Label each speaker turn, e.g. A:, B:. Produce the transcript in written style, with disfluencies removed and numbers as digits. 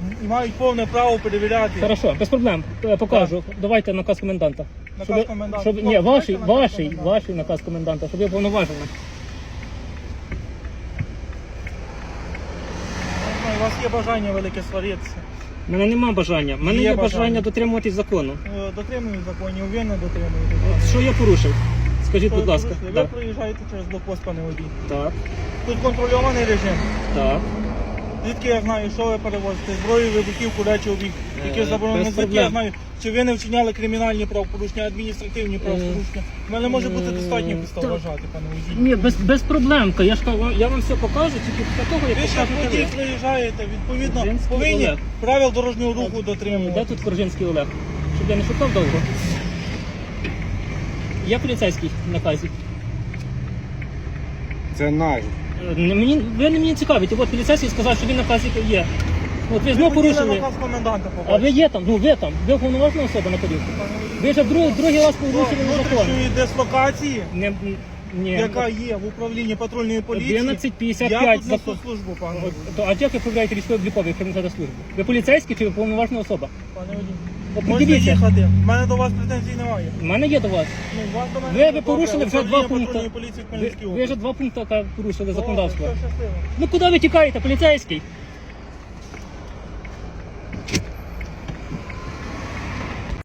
A: і мають повне право перевіряти.
B: Хорошо, без проблем. Покажу. Давайте наказ коменданта.
A: Наказ коменданта.
B: Ні, ваший
A: Давайте
B: наказ коменданта, щоб я повноважений.
A: У вас є бажання велике сваритися.
B: У мене немає бажання. У мене
A: Є
B: є бажання
A: бажання.
B: дотримуватись закону.
A: Дотримують законів, ви не дотримуєте.
B: От що я порушив? Скажіть, будь ласка.
A: Ви
B: Так.
A: проїжджаєте через блокпост, пане водій.
B: Так,
A: Тут контрольований режим.
B: так.
A: Звідки я знаю, що ви перевозите? Зброю, вибухівку, речі, обіг, які заборонені.
B: без
A: Звідки я
B: проблем.
A: знаю, чи ви не вчиняли кримінальні правопорушення, адміністративні правопорушення. У мене може бути достатньо підстав вважати, пане водій.
B: Ні, без проблем. Я вам все покажу, тільки після того, як
A: Ви ще
B: покажете
A: водій
B: ви.
A: приїжджаєте, відповідно,
B: Коржинський
A: повинні
B: Олег.
A: правил дорожнього руху
B: Де
A: дотримувати.
B: тут Коржинський Олег? Щоб я не шукав довго. Я поліцейський в наказі.
C: Це наш.
B: Ви не мені цікавите. От поліцейський сказав, що він на наказі є. От ви
A: Ви
B: знову
A: хотіли
B: порушили.
A: наказ коменданта
B: А ви
A: побачити.
B: є там, ви там. Ви уповноважена особа на поділку. Ви вже другий раз порушили закон.
A: Внутрішньої дислокації,
B: Ні.
A: яка є в управлінні патрульної поліції,
B: 11:55
A: я тут несу
B: закон.
A: службу, пане водій.
B: А як ви проявляєте військово-обліковий кримінальну службу? Ви поліцейський чи ви уповноважена особа?
A: Пане водій.
B: От
A: Можете
B: подивіться.
A: їхати. У мене до вас претензій немає.
B: У мене є до вас.
A: Ну, вас до мене
B: Ви
A: є.
B: порушили вже
A: Управління
B: два пункти.
A: патрульної поліції в Хмельницькій
B: Ви вже
A: області.
B: два пункти порушили
A: Добре,
B: законодавство.
A: все, щасливо.
B: Ну куди ви тікаєте, поліцейський?